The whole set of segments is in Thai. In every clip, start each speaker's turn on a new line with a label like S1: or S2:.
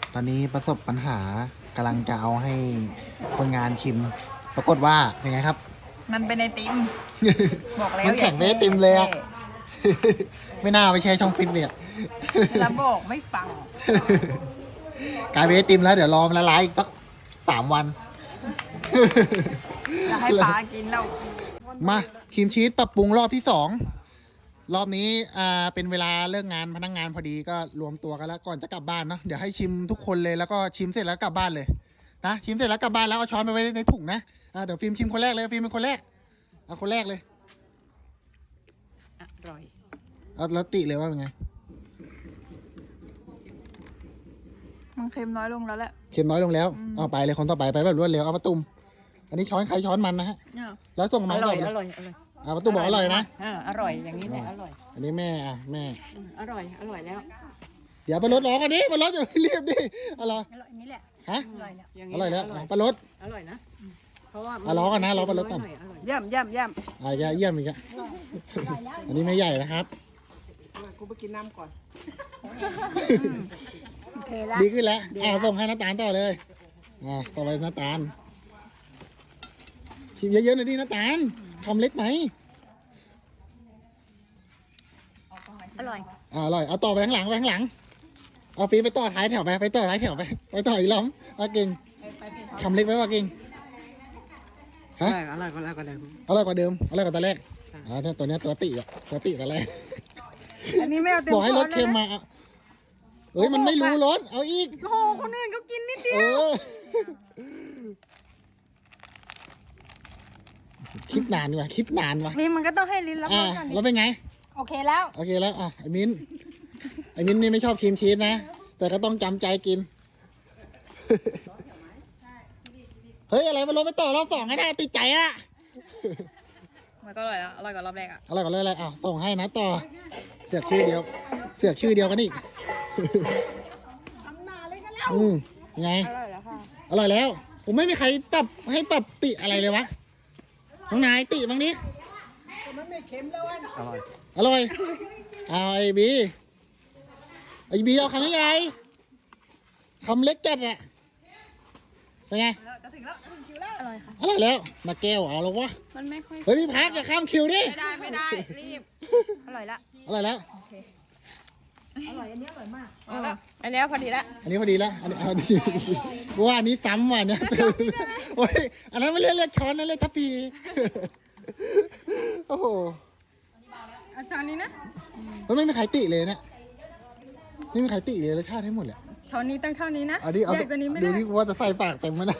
S1: ตอนนี้ประสบปัญหากำลังจะเอาให้คนงานชิม ปรากฏว่าเป็นไงครับ
S2: มันเป็นไอติม บอกแล้ว
S1: มันแข็งเป็นไอติมเลยอะ ไม่น่าไปแช่ช่องฟิตเนี่ย
S2: แล้วบอกไม่ฟัง
S1: กลายเป็นไอติมแล้วเดี๋ยวรอมันละลายอีกสัก3 วัน
S2: จะให้ปลากินแล้ว
S1: มาครีมชีสปรับปรุงรอบที่2รอบนี้เป็นเวลาเลิกงานพนักงานพอดีก็รวมตัวกันแล้วก่อนจะกลับบ้านเนาะเดี๋ยวให้ชิมทุกคนเลยแล้วก็ชิมเสร็จแล้วกลับบ้านเลยนะชิมเสร็จแล้วกลับบ้านแล้วเอาช้อนไปไว้ในถุงนะเดี๋ยวฟิล์มชิมคนแรกเลยฟิล์มเป็นคนแรกเอาคนแรกเลย
S2: อร่อย
S1: เอาแล้วติเลยว่าเป็นไง
S2: มันเค็มน้อยลงแล้วแหละ
S1: เค็มน้อยลงแล้วเอาไปเลยคนต่อไปไปแบบรวดเร็วเอาประตุมอันนี้ช้อนใครช้อนมันนะฮะแล้วส่งมา
S2: อร่อย
S1: ก่น
S2: อร่อย อร่อย
S1: เอาประตุมบอกอร่อยนะ
S2: อร่อย อย่างนี้แหละอร่อย
S1: อันนี้แม่แม่
S2: อร่อย อร่อยแล้ว
S1: เดี๋ยวไปรถร้องกันดิไปรถอย่าไปรีบดิอร่อย
S2: อร่อยนี้แหละ
S1: ฮะ
S2: อร่อยแล้ว
S1: อร่อยแล้วไปรถ
S2: อร่อยนะ เพราะว่า
S1: ร้องกันนะร้องไปรถก่อน
S2: ย่ำย่ำย่
S1: เยี่ยมอีกอะอันนี้ไม่ใหญ่นะครับ
S2: ำกูไปกินน้ำก่อนโอเคละ
S1: ดีขึ้นแล้วส่งให้น้าตาลต่อเลยต่อไปน้าตาลชิมเยอะๆหน่อยดิน้าตาลทำเล็กไหม
S2: อร่อย
S1: อร่อยเอาต่อไปข้างหลังเอาฟีไปต่อท้ายแถวไปต่อท้ายแถวไปต่ออีกล้อมเก่งทำเล็กไว้ว่าเก่งฮะ
S2: อร่อยกว่าแล้วก็เดิม
S1: อร่อยกว่าเดิมอร่อยกว่าตอนแรกตัวนี้ตัวติตอนแรก
S2: อันนี้ไม่เอาเต็ม
S1: บอกให้รสเค็มมาเอ้ยมันไม่รู้รสเอาอีก
S2: โอ้โหคนอื่นเขากินนิดเดียว
S1: คิดนานว่ะ
S2: นี่มันก็ต้องให้ลิ้นรับรสก่อน
S1: แล้วเป็นไง
S2: โอเคแล้ว
S1: โอเคแล้วไอ้มิ้นนี่ไม่ชอบครีมชีสนะแต่ก็ต้องจำใจกิน เฮ้ยอะไรมันลดไปต่อรอบ2ให้ได้ติดใจอ่ะ
S2: มันก็อร่อยแล้วอร่อยกว่ารอบแรกอ่ะ
S1: อร่อยกว่าเลยอะไรส่งให้นะต่อเสือกชื่อเดียวกันอีกไง
S2: อร่อยแล้วค่ะ
S1: อร่อยแล้ว ผมไม่มีใครให้ปรับติอะไรเลยวะน้องนายติบ้างดิอร่อยเอาไอ้บีเอาคำใหญ่คำเล็กจัดอะเป็นไง
S2: จะถึงคิวแล้วอร่อยค่ะ
S1: อร่อยแล้วมาแก้วเอาแล้ววะ
S2: มันไม่ค่อย
S1: เฮ้ยพี่พักอย่าข้ามคิวดิ
S2: ไม่ได้รีบอร่อยละ
S1: อร่อยแล้ว
S2: อร่อยอันนี้อร่อยมากอันนี้พอดีละ
S1: อันนี้พอดีแล้วอันนี้เอาดีว่าอันนี้ซ้ำว่ะเนี่ยโอ้ยอันนั้นไม่เรียกช้อนนะเรียกทัพพีโอ้โห
S2: อาจารย์นี้นะ
S1: มันไม่มีใครติเลยเนี่ยไม่มีใครติเลยรสชาติให้หมดแหละ
S2: ช้อนนี้ตั้งเท่านี้นะ
S1: เอาดิ
S2: ใหญ่กว่านี้ไม่
S1: ดู
S2: ได้
S1: ดิว่าจะใส่ปากเต็มไหมนะ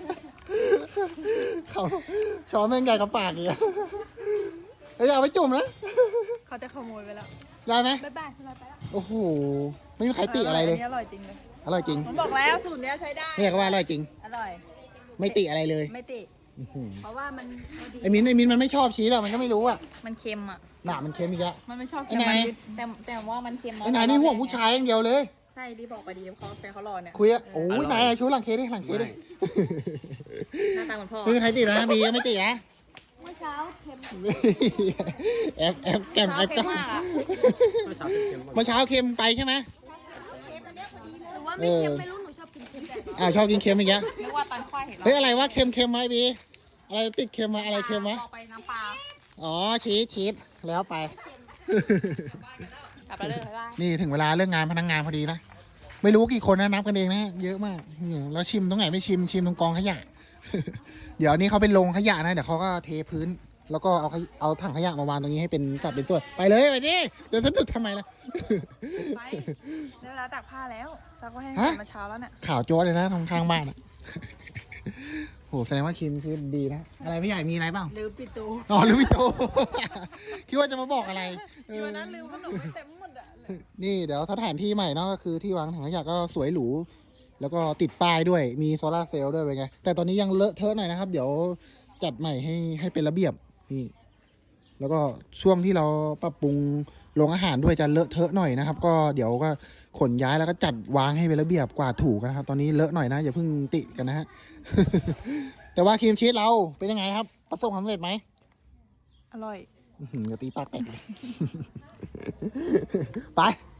S1: เขาช้อนแม่งใหญ่กับปากอีกอะเฮ้ยเอาไปจุ่มนะ
S2: เขาจะขโมยไปแล้ว
S1: ได้ไหม
S2: บ๊ายบายสบายไปแล้ว
S1: โอ้โหไม่มีใครติอะไรเลย
S2: นนี้อร่อยจริงเลย
S1: อร่อยจริง
S2: ผมบอกแล้วสูตรเนี้ยใช้ได้
S1: เนี่ยก็ว่าอร่อยจริง
S2: อร่อย
S1: ไม่ติอะไรเลย
S2: ไม่ติเพราะว่ามันพอดี
S1: ไอ้มิ้นมันไม่ชอบชีสอะมันก็ไม่รู้อะ
S2: มันเค็มอ่ะ
S1: หนามันเค็มอีกแล้ว
S2: มันไม่ชอบ
S1: ไอ้
S2: เค็ม
S1: ไหน
S2: แต่ว่ามันเค็ม
S1: ไอ้นายนี่ห่วงผู้ชายอย่างเดียวเลย
S2: ใช่ดีบอกไปดีเขาแฟนเขารอเนี่ย
S1: คุยอะโอ้ยนายชูหลังเคสดิหลังเคสดิ
S2: หน้าตาเหมือนพ่อ
S1: ไม่มีใครตินะบีก็ไม่ตินะ
S2: เมื่อเช้าเค็ม
S1: แอบแกมแอบก็เมื่อเช้าเค็มไปใช่ไหม
S2: หรือว่าไม่เค็มไม่รู้หนูชอบกินเค็มแต่
S1: ชอบกินเค็มอีกแล้ว
S2: นึกว่าตอนควายเห็น
S1: เฮ้ยอะไรวะเค็มไหมบีอะไรติดเค็มมาอะไรเค็มวะ
S2: บอกไปน้ำปลา
S1: อ๋อชีสแล้วไป
S2: กลับมาเลยบ๊ายบาย
S1: นี่ถึงเวลาเรื่องงานพนักงานพอดีนะไม่รู้กี่คนนะนับกันเองนะเยอะมากแล้วชิมตรงไหนไม่ชิมตรงกองขยะ เดี๋ยวนี้เขาเป็นโรงขยะนะเดี๋ยวเขาก็เทพื้น แล้วก็เอาถังขยะมาวางตรงนี้ให้เป็นสัดเป็นตัวไปเลยไปดิเดี๋ยวจะตึกทำไมล่ะ
S2: ไปได้เวลาตากผ้าแล้วซักไว้ให้
S1: ฮะ
S2: มาเช้าแล้วเนี่ย
S1: ข่าวโจ้เลยนะทางข้างบ้านอ่ะ โหแสดงว่าคิมคือดีนะอะไรพี่ใหญ่มีอะไรบ้าง
S2: ลืมปิดตู
S1: อ๋อลืมพี่โต คิดว่าจะมาบอกอะไร
S2: วันนั้นลืมขนมไปเต็มหมดอ่ะ
S1: นี่เดี๋ยวสถานที่ใหม่เนาะก็คือที่วางถังขยะก็สวยหรูแล้วก็ติดป้ายด้วยมีโซลาร์เซลล์ด้วยเป็นไงแต่ตอนนี้ยังเลอะเทอะหน่อยนะครับ เดี๋ยวจัดใหม่ให้เป็นระเบียบนี่แล้วก็ช่วงที่เราปรับปรุงโรงอาหารด้วยจะเลอะเทอะหน่อยนะครับ ก็เดี๋ยวก็ขนย้ายแล้วก็จัดวางให้เป็นระเบียบกวาดถูกันนะครับ ตอนนี้เลอะหน่อยนะอย่าเพิ่งติกันนะฮะ แต่ว่าครีมชีสเราเป็นยังไงครับประสบความสำเร็จไหม
S2: อร่อย
S1: อย่าตีปากแตกเลย ไป